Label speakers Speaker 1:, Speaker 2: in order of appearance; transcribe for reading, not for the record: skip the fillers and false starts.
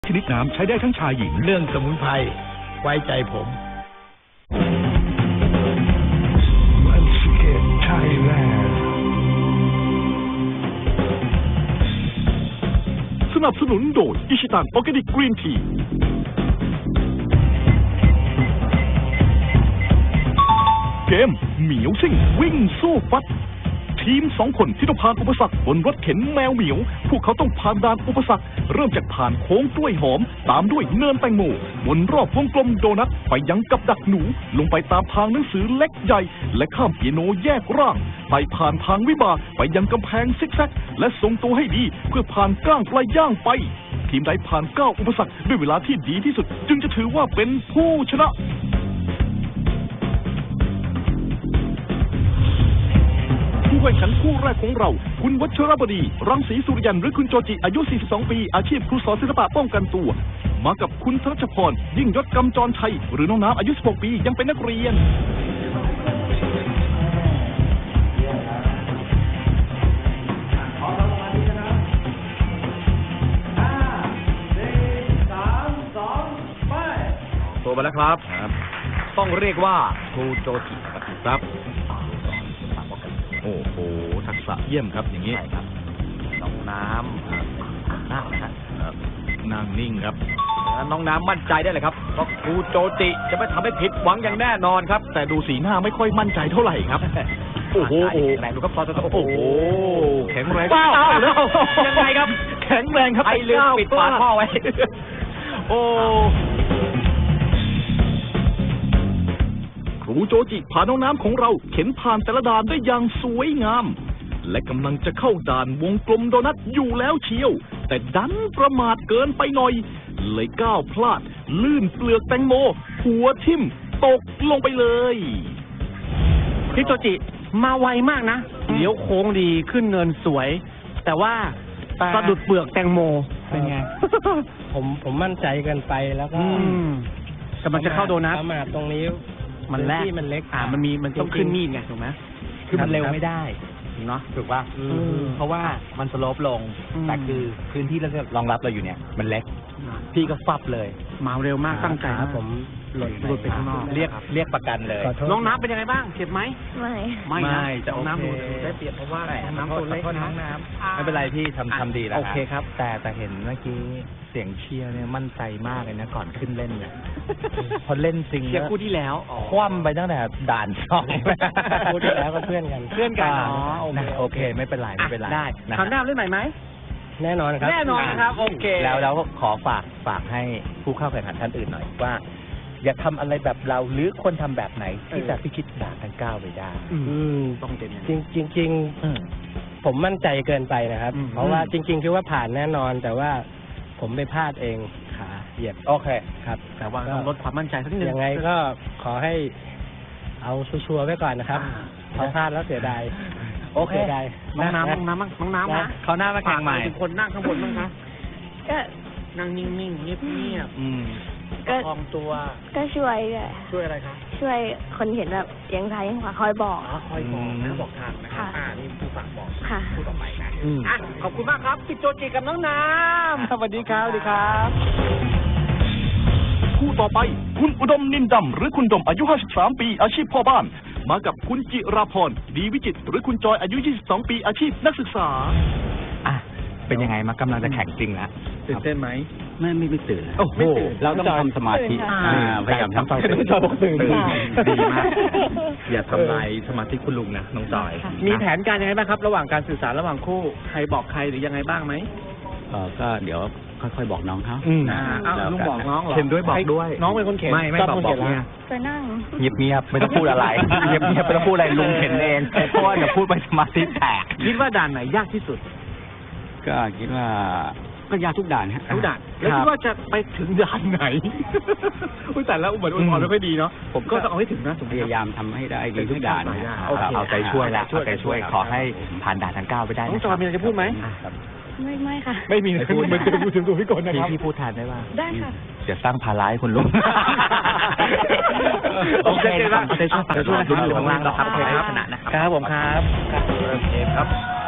Speaker 1: ชนิดน้ำใช้ได้ทั้งชายหญิง
Speaker 2: เรื่องสมุนไพรไว้ใจผม
Speaker 1: สนับสนุนโดยอิชิตันออร์แกนิกกรีนทีเกมเหมียวซิ่งวิ่งสู้ฟัดทีม2 คนที่ต้องผ่านอุปสรรคบนรถเข็นแมวเหมียวพวกเขาต้องผ่านด่านอุปสรรคเริ่มจากผ่านโค้งกล้วยหอมตามด้วยเนินแตงโมวนรอบวงกลมโดนัทไปยังกับดักหนูลงไปตามทางหนังสือเล็กใหญ่และข้ามเปียโนแยกร่างไปผ่านทางวิบากไปยังกำแพงซิกแซกและทรงตัวให้ดีเพื่อผ่านก้างปลายย่างไปทีมใดผ่าน9 อุปสรรคด้วยเวลาที่ดีที่สุดจึงจะถือว่าเป็นผู้ชนะผู้แข่งขันคู่แรกของเราคุณวัชรบดีรังสีสุริยันหรือคุณโจจิอายุ 42 ปีอาชีพครูสอนศิลปะป้องกันตัวมากับคุณธนชพรยิ่งยศกำจรชัยหรือน้องน้ำอายุ 16 ปียังเป็นนักเรียน
Speaker 3: โทรมาแล้วครับต้องเรียกว่าครูโจจิครับโอ้โหทักษะเยี่ยมครับอย่างนี้ครับน้องน้ำนั่งนะครับนั่งนิ่งครับน้องน้ำมั่นใจได้เลยครับเพราะครูโจจิจะไม่ทำให้ผิดหวังอย่างแน่นอนครับแต่ดูสีหน้าไม่ค่อยมั่นใจเท่าไหร่ครับโอ้โหแรงดูครับโอ้โหแข็งแรงแล้วยังไงครับแข็งแรงครับไอ้ลืมปิดฝาท่อไว้โอ้
Speaker 1: ครูโจจิพาน้องน้ำของเราเข็นผ่านแต่ละด่านได้อย่างสวยงามและกำลังจะเข้าด่านวงกลมโดนัทอยู่แล้วเชียวแต่ดันประมาทเกินไปหน่อยเลยก้าวพลาดลื่นเปลือกแตงโมหัวทิ่มตกลงไปเลย
Speaker 4: พี่โจจิมาไวมากนะเลี้ยวโค้งดีขึ้นเนินสวยแต่ว่าสะดุดเปลือกแตงโมเป็นไง
Speaker 5: ผมมั่นใจเกินไปแล้วก็
Speaker 4: กำลังจะเข้าโดนัท
Speaker 5: มาตรงนี้
Speaker 4: มันแรก
Speaker 5: ที่มันเล็ก
Speaker 4: มันต้องขึ้นมีดไงถูกไหม
Speaker 5: คือมันเร็วไม่ได้
Speaker 4: เนาะ
Speaker 5: ถูกป่ะเพราะว่ามันสโลปลงแต่คือพื้นที่เราจะรองรับเราอยู่เนี่ยมันเล็กพี่ก็ฟับเลย
Speaker 4: มาเร็วมากตั้งใจ
Speaker 5: ผมหลุดไปข้างนอกเรียกประกันเลย
Speaker 4: น้องน้ำเป็นยังไงบ้างเจ็บไหม
Speaker 5: ไม่
Speaker 4: จะน้ำได้เปรียบเพราะว่าน้ำตัวเล็กนะ
Speaker 5: ไม่เป็นไรพี่ทำดีแล้ว
Speaker 4: โอเคครับ
Speaker 5: แต่เห็นเมื่อกี้เสียงเชียร์เนี่ยมั่นใจมากเลยนะก่อนขึ้นเล่นเนี่ยพอเล่นจริง
Speaker 4: เชียร์คู่ที่แล้ว
Speaker 5: คว่ำไปตั้งแต่ด่าน2คู่ที่แล้วก็เพื่อนกันโอเคไม่เป็นไร
Speaker 4: ได้คราวหน้าเล่นใหม่ไหม
Speaker 5: แน่นอนครับ
Speaker 4: โอเค
Speaker 5: แล้วขอฝากให้ผู้เข้าแข่งขันท่านอื่นหน่อยว่าอย่าทำอะไรแบบเราหรือคนทำแบบไหนที่จะพิชิตด่านทั้ง9ไปได้
Speaker 4: ต้องเต็ม
Speaker 5: จริงผมมั่นใจเกินไปนะครับเพราะว่าจริงๆคิดว่าผ่านแน่นอนแต่ว่าผมไปพลาดเองขาเหยียบโอเคครับ
Speaker 4: แต่ว่าต้องลดความมั่นใจสักนิดนึง
Speaker 5: ยังไงก็ขอให้เอาชัวร์ไว้ก่อนนะครับพอพลาดแล้วเสียดาย
Speaker 4: โอเคน้องน้ำนะ
Speaker 5: เขาหน้ามาแข่งใหม่
Speaker 4: คนนั่งข้างบนบ้างคะ
Speaker 6: ก็
Speaker 4: นั่งนิ่งๆเงียบ
Speaker 6: ก็
Speaker 4: คล่องตัว
Speaker 6: ก็ช่วย
Speaker 4: อะไรคะ
Speaker 6: ช่วยคนเห็นแบบยังซ้ายยังขวาคอยบอก
Speaker 4: บอกทางนะครับนี่ผู้ฝากบอกผู้ต่อไปนะขอบคุณมากครับพี่โจจิกับน้องน้ำ
Speaker 5: สวัสดีครับ
Speaker 1: คู่ต่อไปคุณอุดมนินดำหรือคุณดมอายุ 53 ปีอาชีพพ่อบ้านมากับคุณจิราพรดีวิจิตรหรือคุณจอยอายุ 22 ปีอาชีพนักศึกษา
Speaker 5: เป็นยังไงมากำลังจะแข่งจริงแล้ว
Speaker 4: ตื่นเต้นไหม
Speaker 5: ไม่ตื่น
Speaker 4: โอ้โห
Speaker 5: เราต้องทำสมาธิพยายามทำสมาธิตื่น
Speaker 4: ดีมากอย่าทำลายสมาธิคุณลุงนะน้องจอยมีแผนการยังไงบ้างครับระหว่างการสื่อสารระหว่างคู่ใครบอกใครหรือยังไงบ้างไหม
Speaker 5: ก็เดี๋ยวค่อยๆบอกน้องเขา
Speaker 4: ลุงบอกน้องเหรอ
Speaker 5: เข็นด้วยบอกด้วย
Speaker 4: น้องเป็นคนเข็น
Speaker 5: ไม่บอกเนี่ย
Speaker 6: ไปนั่ง
Speaker 5: เงียบไม่ต้องพูดอะไรเงียบไม่ต้องพูดอะไรลุงเข็นเองเพราะว่าเดี๋ยวพูดไปสมาธิแตก
Speaker 4: คิดว่าด่านไหนยากที่สุด
Speaker 5: ก็คิดว่าก็ยากทุกด่าน
Speaker 4: ทุกด่านแล้วคิดว่าจะไปถึงด่านไหนแต่แล้วเหมือนอุ่นๆไม่ค่อยดีเนาะผมก็ต้องเอาให้ถึงนะ
Speaker 5: พยายามทำให้ได้ดีทุกด่านเอาใจช่วยแล้วเอาใจช่วยขอให้ผ่านด่านทั้ง9ไปได้
Speaker 4: น้องจอยมีอะไรจะพูดไหม
Speaker 6: ไม่ค่ะ
Speaker 4: ไม่มีพูดมันจะพูดถึงตัวพี่กนนะครับ
Speaker 5: พี่พูดแทนได้ป่ะ
Speaker 6: ได้ค่ะ
Speaker 5: จะสร้างภาระให้คนลุง
Speaker 4: โอเคครับ
Speaker 5: จะช่วยลุ้นอยู่ข้างล่างแล้วครับชนะครับ
Speaker 4: ผมครับ
Speaker 5: เริ่มเกมครับ